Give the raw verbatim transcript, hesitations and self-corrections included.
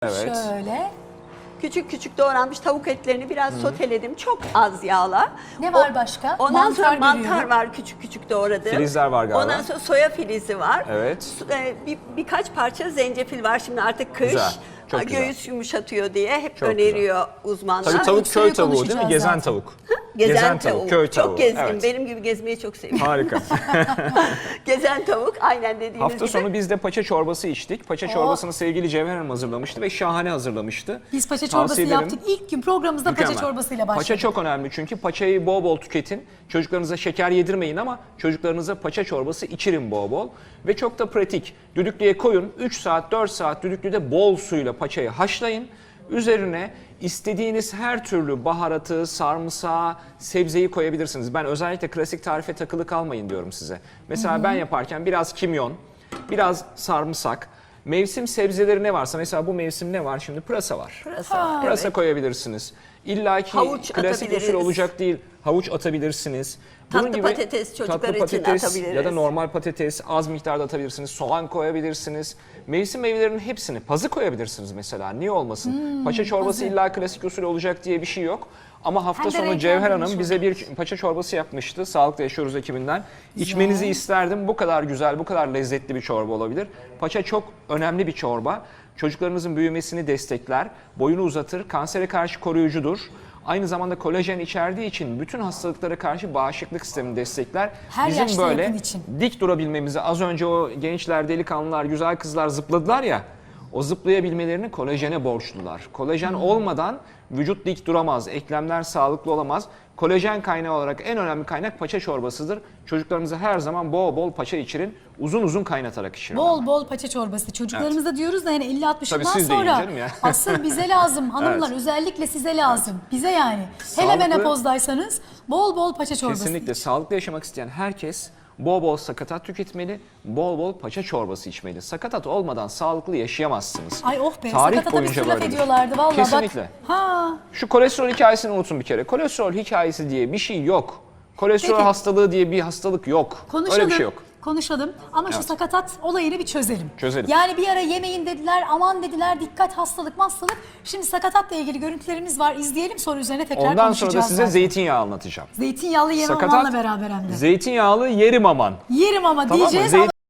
Evet. Şöyle. Küçük küçük doğranmış tavuk etlerini biraz soteledim. Çok az yağla. Ne var O- başka? Ondan Mantar sonra mantar görüyorum. var küçük küçük doğradım. Filizler var galiba. Ondan sonra soya filizi var. Evet. Su- e, Bir, birkaç parça zencefil var. Şimdi artık kış. Güzel, çok Ha, güzel. Göğüs yumuşatıyor diye hep Çok öneriyor uzmanlar. Tabii tavuk Suyu köy tavuğu değil mi? konuşacağız Gezen zaten. tavuk. Gezen, tavuk. köy tavuğu. Çok gezdim. Evet. Benim gibi gezmeyi çok seviyorum. Harika. Gezen tavuk aynen dediğiniz Hafta gibi. sonu biz de paça çorbası içtik. Paça çorbasını sevgili Cevher Hanım hazırlamıştı ve şahane hazırlamıştı. Biz paça Tavsiye çorbası ederim. yaptık. İlk gün programımızda Mükemmel. paça çorbasıyla başladık. Paça çok önemli çünkü paçayı bol bol tüketin. Çocuklarınıza şeker yedirmeyin ama çocuklarınıza paça çorbası içirin bol bol. Ve çok da pratik. Düdüklüye koyun. üç saat dört saat düdüklüde bol suyla paçayı haşlayın. Üzerine istediğiniz her türlü baharatı, sarımsağı, sebzeyi koyabilirsiniz. Ben özellikle klasik tarife takılı kalmayın diyorum size. Mesela ben yaparken biraz kimyon, biraz sarımsak, mevsim sebzeleri ne varsa, mesela bu mevsim ne var şimdi? Pırasa var. Pırasa, Pırasa evet. koyabilirsiniz. İlla ki Havuç klasik atabiliriz. usul olacak değil. Havuç atabilirsiniz. Tatlı patates çocuklar tatlı için patates atabiliriz. ya da normal patates az miktarda atabilirsiniz. Soğan koyabilirsiniz. Mevsim meyvelerinin hepsini, pazı koyabilirsiniz mesela. Niye olmasın? Hmm, paça çorbası pazı. illa klasik usul olacak diye bir şey yok. Ama hafta Hem de sonu Cevher renklendirmiş Hanım bize bir paça çorbası yapmıştı. Sağlıklı Yaşıyoruz ekibinden. İçmenizi isterdim. Bu kadar güzel, bu kadar lezzetli bir çorba olabilir. Paça çok önemli bir çorba. Çocuklarınızın büyümesini destekler, boyunu uzatır, kansere karşı koruyucudur. Aynı zamanda kolajen içerdiği için bütün hastalıklara karşı bağışıklık sistemini destekler. Her Bizim yaşta böyle yakın için. dik durabilmemizi, az önce o gençler, delikanlılar, güzel kızlar zıpladılar ya, o zıplayabilmelerini kolajene borçlular. Kolajen olmadan vücut dik duramaz, eklemler sağlıklı olamaz. Kolajen kaynağı olarak en önemli kaynak paça çorbasıdır. Çocuklarımıza her zaman bol bol paça içirin, uzun uzun kaynatarak içirin. Bol bol paça çorbası. Çocuklarımıza diyoruz da yani elli altmışından Tabii siz de yiyin sonra canım ya. asıl bize lazım hanımlar, Evet. özellikle size lazım. Bize yani. Hele Sağlıklı- menopozdaysanız bol bol paça çorbası. Kesinlikle sağlıklı yaşamak isteyen herkes bol bol sakatat tüketmeli, bol bol paça çorbası içmeli. Sakatat olmadan sağlıklı yaşayamazsınız. Ay oh be, Tarih sakatata bir boyunca sürü laf böyledir. ediyorlardı vallahi. Kesinlikle. Bak. Ha. Şu kolesterol hikayesini unutun bir kere. Kolesterol hikayesi diye bir şey yok. Kolesterol Peki. hastalığı diye bir hastalık yok. Konuşalım. Öyle bir şey yok. Konuşalım ama şu sakatat olayını bir çözelim. Çözelim. Yani bir ara yemeyin dediler, aman dediler, dikkat hastalık hastalık. Şimdi sakatatla ilgili görüntülerimiz var. İzleyelim, sonra üzerine tekrar Ondan sonra konuşacağız. da size zaten. zeytinyağı anlatacağım. Zeytinyağlı yemem Sakatat, amanla beraber hem de. zeytinyağlı yerim aman. Yerim ama Tamam mı? diyeceğiz Zeytin- ama